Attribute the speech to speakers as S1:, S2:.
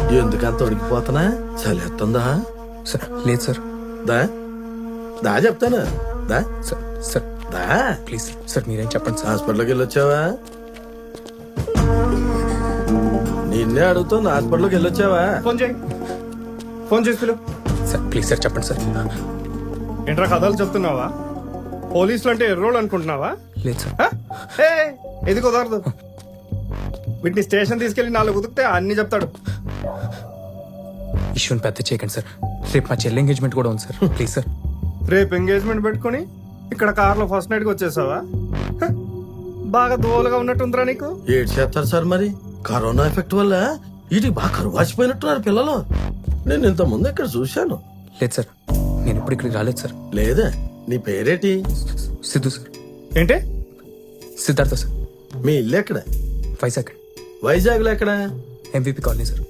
S1: ఎందుకంత ఉడికిపోతున్నా చలేస్తుందా?
S2: సార్ లేదు సార్.
S1: దా దా చెప్తాను దా
S2: సార్ సార్
S1: దా.
S2: ప్లీజ్ సార్ మీరేం చెప్పండి సార్.
S1: హాస్పిటల్కి వెళ్ళొచ్చావా? నిన్నే అడుగుతాను, హాస్పిటల్కి వెళ్ళొచ్చావా?
S3: ఫోన్ చేయి, ఫోన్ చేసి పిలు.
S2: సార్ ప్లీజ్ సార్ చెప్పండి సార్.
S3: ఏంట్రా కథలు చెప్తున్నావా? పోలీసులు అంటే ఎర్రోళ్ళు అనుకుంటున్నావా?
S2: లేదు సార్.
S3: హ? ఏ ఇది కుదరదు. వీటిని స్టేషన్ తీసుకెళ్లి 4 ఉతికితే అన్ని చెప్తాడు.
S2: ఇష్యూని పెద్ద చేయకండి సార్. రేపు మా చెల్లి ఎంగేజ్మెంట్ కూడా ఉంది సార్. Please sir.
S3: రేపు ఎంగేజ్మెంట్ పెట్టుకుని ఇక్కడ కార్లో ఫస్ట్ నైట్కి వచ్చేసావా? హ? బాగా దోలుగా ఉన్నట్టుందిరా నీకు.
S1: ఏడు చేస్తారు సార్ మరి. కరోనా ఎఫెక్ట్ వల్ల వీటికి బాగా కరువు వాచిపోయినట్టున్నారు పిల్లలు. నేను ఇంత ముందు ఇక్కడ చూశాను.
S2: లేదు సార్, నేను ఇప్పుడు ఇక్కడికి రాలేదు సార్.
S1: లేదా నీ పేరేటి?
S2: సిద్ధు సార్.
S3: ఏంటి?
S2: సిద్ధార్థ సార్.
S1: మీ ఇల్లు ఎక్కడ?
S2: వైజాగ్
S1: వైజాగ్ లో ఎక్కడ?
S2: MVP colony sir.